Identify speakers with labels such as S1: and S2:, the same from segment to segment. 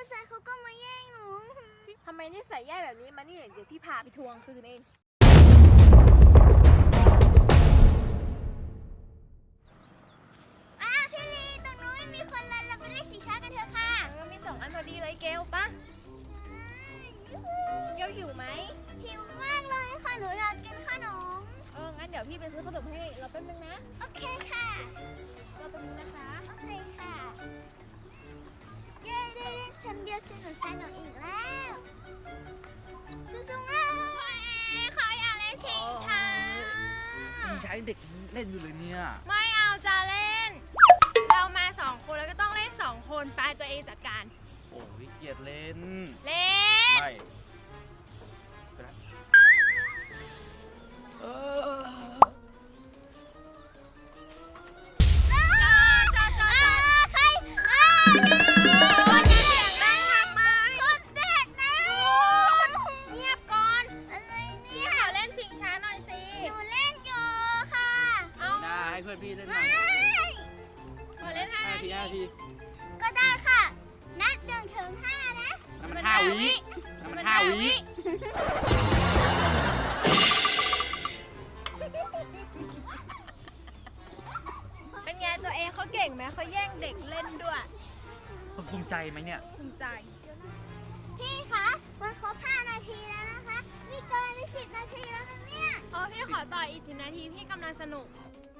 S1: ชายเขาก็มาแย่งหนู
S2: ทำไมนิสัยแย่แบบนี้มานี่เดี๋ยวพี่พาไปทวงคืนเอง
S1: พี่ลีตรงนู้นมีคนรันเราไปเล่นชิงช้ากันเถอะค่ะ
S2: มี2 อันพอดีเลยเกลปะเกลหิวไหม
S1: หิวมากเลยค่ะหนูอยากกินขนม
S2: งั้นเดี๋ยวพี่ไปซื้อขนมให้เราแป๊บนึงนะ
S1: โอเคค่ะ
S2: เราตรงนี้นะคะ
S1: โอเคค่ะเย้ได้เล่นคำเดียวสนุกอีกแล้วสู้ๆเลยขออยากเล่นชิงช้า
S3: ยังใช้เด็กเล่นอยู่เลยเนี่ย
S2: ไม่เอาจะเล่นเรามา2 คนแล้วก็ต้องเล่น2 คนไปตัวเองจัดการ
S3: โอ้ยเกลียดเล่น
S2: เล่น
S3: ไม่ให้เพื่อนพี่เล่นหน่อย
S2: ขอเล่น5 นาที
S1: ก็ได้ค่ะนับ1 ถึง 5นะ
S3: มัน5 วิมัน5 วิ
S2: เป็นไงตัวเองเขาเก่งไหมเขาแย่งเด็กเล่นด้วย
S3: ภูมิใจไหมเนี่ย
S2: ภูมิใจ
S1: พี่คะมันครบ5 นาทีแล้วนะคะนี่เกินไป10 นาทีแล้วนะเนี่ย
S2: พี่ขอต่ออีก10 นาทีพี่กำลังสนุก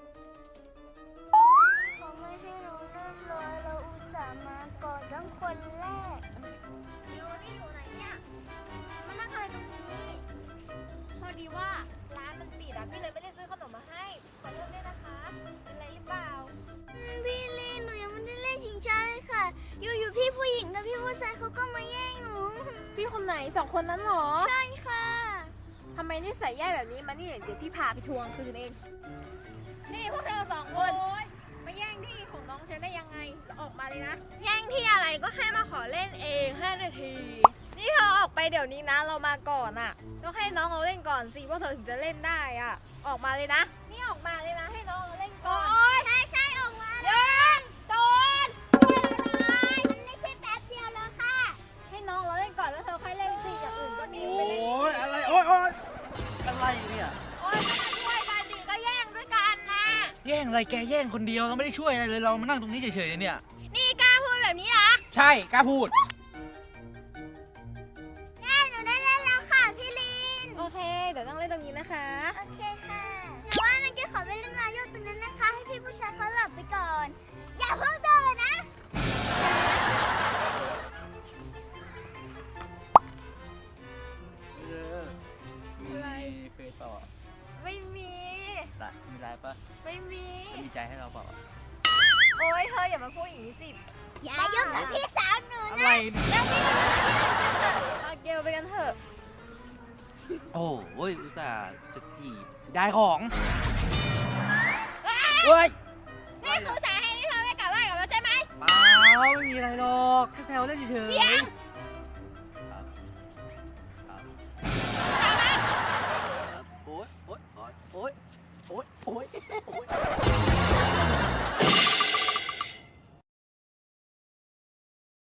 S1: เขาไม่ให้เราเล่นเลยเราอุตส่าห์มาก่อนทั้งคนแรกอยู่ไหนเนี่ยมานั่งอะไรตรงนี้
S2: พอดีว่าร้านมันปิดพี่เลยไม่ได้ซื้อขนมมาให้ขอโทษด้วยนะคะเป็นไรหรือเปล่า
S1: พี่ลีหนูยังไม่ได้เล่นชิงช้าเลยค่ะอยู่พี่ผู้หญิงกับพี่ผู้ชายเขาก็มาแย่งหนู
S2: พี่คนไหน2 คนนั้นหรอ
S1: ใช่ค่ะ
S2: ทำไมนิสัยแย่แบบนี้มานี่เดี๋ยวพี่พาไปทวงคืนเองนี่พวกเธอ2 คนมาแย่งที่ของน้องฉันได้ยังไงออกมาเลยนะแย่งที่อะไรก็แค่มาขอเล่นเอง5 นาทีนี่เธอออกไปเดี๋ยวนี้นะเรามาก่อนอ่ะต้องให้น้องเราเล่นก่อนสิพวกเธอถึงจะเล่นได้อ่ะออกมาเลยนะนี่ออกมาเลยนะให้น้องเราเล่นก่อน
S1: ใช่ออกมา
S2: ยังตูน
S1: มันไม่ใช่แป๊บเดียวแล้วค่ะ
S2: ให้น้องเราเล่นก่อนแล้วเธอค่อยเล่นสิอย่างอื่นก็หนีไปเล่น
S3: โอ้ยอะไรโอ้ยอะไรเนี่ย
S2: ก็ช่วยกันดิก็แย่งด้วยกันนะ
S3: แย่งอะไรแกแย่งคนเดียวเราไม่ได้ช่วยอะไรเลยเรามานั่งตรงนี้เฉยๆเนี่ย
S2: นี่กล้าพูดแบบนี้นะ
S3: ใช่กล้าพูด
S1: หนูได้เล่นแล้วค่ะพี่ลิน
S2: โอเคเดี๋ยวต้องเล่นตรงนี้นะคะ
S1: โอเคค่ะแต่ว่านักเก็ตขอไปเล่นมาโยกตรงนั้นนะคะให้พี่ผู้ชายเขาหลับไปก่อนอย่าเพิ่งเดินนะ
S3: มีเฟซต่อ
S2: ไม่มี
S3: มีไลน์ปะ
S2: ไม่มี
S3: มีใจให้เราเปล่า
S2: โอ๊ยเธออย่ามาพูดอย่างนี้สิ
S1: อย่ายุ่งกับพี่สาวหนูนะ
S3: อะไร
S2: เกลไปกันเถอะ
S3: โอ้ยอุตส่าห์จะจีบได้ของเฮ้ย
S2: นี่คือสาเหตุที่เธอไม่กลับบ้านกับเราใช่ไหม
S3: เปล่าไม่มีอะไรหรอกแค่แซวเล่นเฉย